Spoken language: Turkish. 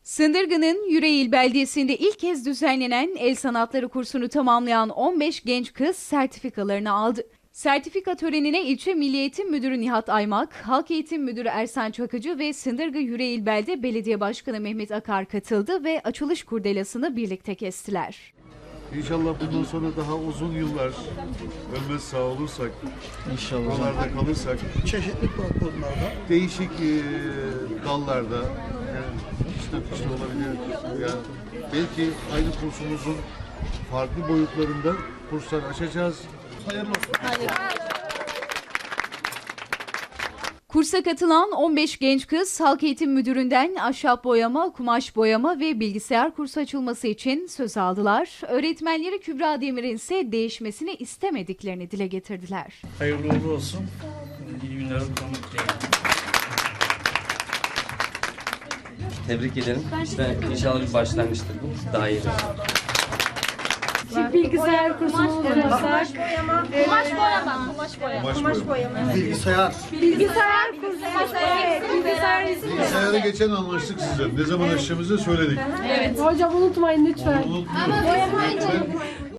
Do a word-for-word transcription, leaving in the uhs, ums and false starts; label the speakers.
Speaker 1: Sındırgı'nın Yüreğil beldesinde ilk kez düzenlenen el sanatları kursunu tamamlayan on beş genç kız sertifikalarını aldı. Sertifika törenine ilçe Milli Eğitim Müdürü Nihat Aymak, Halk Eğitim Müdürü Ersan Çakıcı ve Sındırgı Yüreğil Belde Belediye Başkanı Mehmet Akar katıldı ve açılış kurdelasını birlikte kestiler.
Speaker 2: İnşallah bundan sonra daha uzun yıllar ölmez sağ olursak, İnşallah. buralarda kalırsak,
Speaker 3: Çeşitli platformlarda,
Speaker 2: değişik e, dallarda, yani işte, işte olabilir, yani belki aynı kursumuzun farklı boyutlarında kurslar açacağız.
Speaker 3: hayırlı olsun.
Speaker 1: Kursa katılan on beş genç kız Halk Eğitim Müdürü'nden ahşap boyama, kumaş boyama ve bilgisayar kursu açılması için söz aldılar. Öğretmenleri Kübra Demir'in ise değişmesini istemediklerini dile getirdiler.
Speaker 4: Hayırlı uğurlu olsun. İyi günler kullanmak dileğiyle.
Speaker 5: Tebrik ederim. İşte inşallah bir başlangıçtır bu. Daha iyi.
Speaker 6: Bilgisayar kursumuz olacak.
Speaker 7: Kumaş boyama. Kumaş boyama.
Speaker 2: Kumaş boyama.
Speaker 3: Bilgisayar.
Speaker 6: Bilgisayar kursu. Evet, bilgisayar resim.
Speaker 2: Bilgisayara geçen anlaştık size. Ne zaman açacağımızı söyledik.
Speaker 6: Evet. Hocam unutmayın lütfen.
Speaker 2: Unutmayın.